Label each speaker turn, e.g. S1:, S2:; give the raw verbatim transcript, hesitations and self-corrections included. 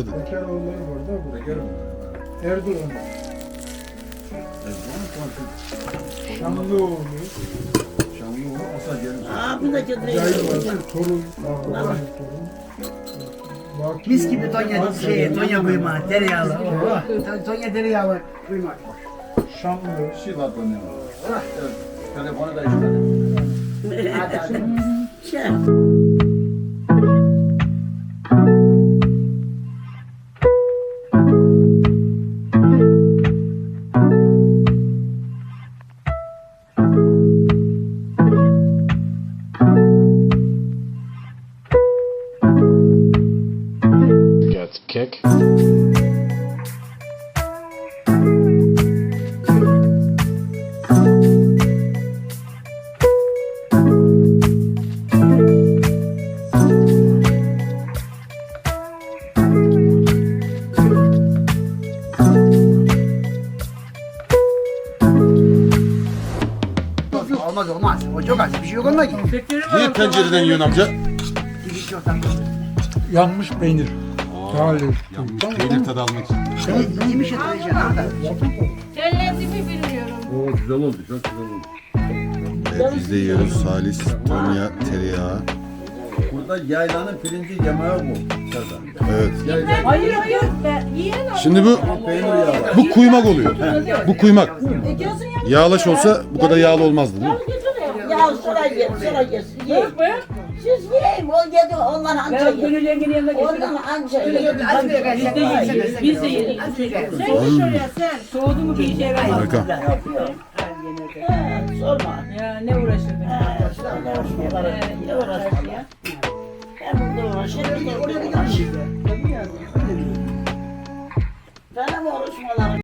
S1: dedim.
S2: Bekeroğulları var da bu.
S3: Bekarım.
S2: Erdoğan.
S3: Erdoğan konuşuyor.
S2: Şanlıoğlu.
S3: Şanlıoğlu Asal gelmiş.
S4: Aa bir de getireyim.
S2: Yayılması, torun. Ağabey torun. Baki-
S5: Mis gibi Tonya şey, Tonya kuyma, tereyağlı. Oh, Tonya tereyağlı kuyma.
S2: Şanlı.
S3: Şivat oynuyor. Evet. Telefonu da işte.
S5: Hadi hadi.
S4: Şey.
S6: Got the kick.
S5: Olmaz olmaz. O çok az. Bir şey yok onunla ki.
S1: Niye pencereden yiyorsun amca?
S5: Dikiş yok lan.
S2: Yanmış peynir. Talih.
S1: Yanmış peynir tadı almak için.
S5: Sen yemiş yatacaksın orada.
S7: Kellesimi bilmiyorum.
S3: Oo güzel oldu. Çok güzel oldu.
S1: Evet biz de yiyoruz. Salis, Tonya, tereyağı.
S3: Burada yaylanın pirinci yemeği bu. Serdar.
S1: Evet.
S3: Yaylan.
S7: Hayır hayır. Ben yiyen
S1: Şimdi bu
S3: Peynir yağı.
S1: bu kuymak oluyor. Bu kuymak.
S7: Ediyorsun ya.
S1: Yağlaş olsa bu kadar yağlı olmazdı değil mi?
S4: Ya sıra ye, sıra ye. Ye. Siz yiyin. O yedi onlar anca
S8: Ben
S4: ye.
S8: Gönül yengenin yanına
S4: Ondan
S8: getirdim.
S4: anca ye.
S8: Biz de yedik. Biz de yedik.
S7: Sen de şuraya sen.
S8: Soğudu mu bir işe yaramaz.
S1: Harika.
S4: Ha, sorma.
S8: Ya ne uğraşırdın?
S4: Ne uğraşmaları. Ne uğraşmaları. Ben burada uğraşıyorum. Oraya bir uğraşıyorum. Benim uğraşmalarım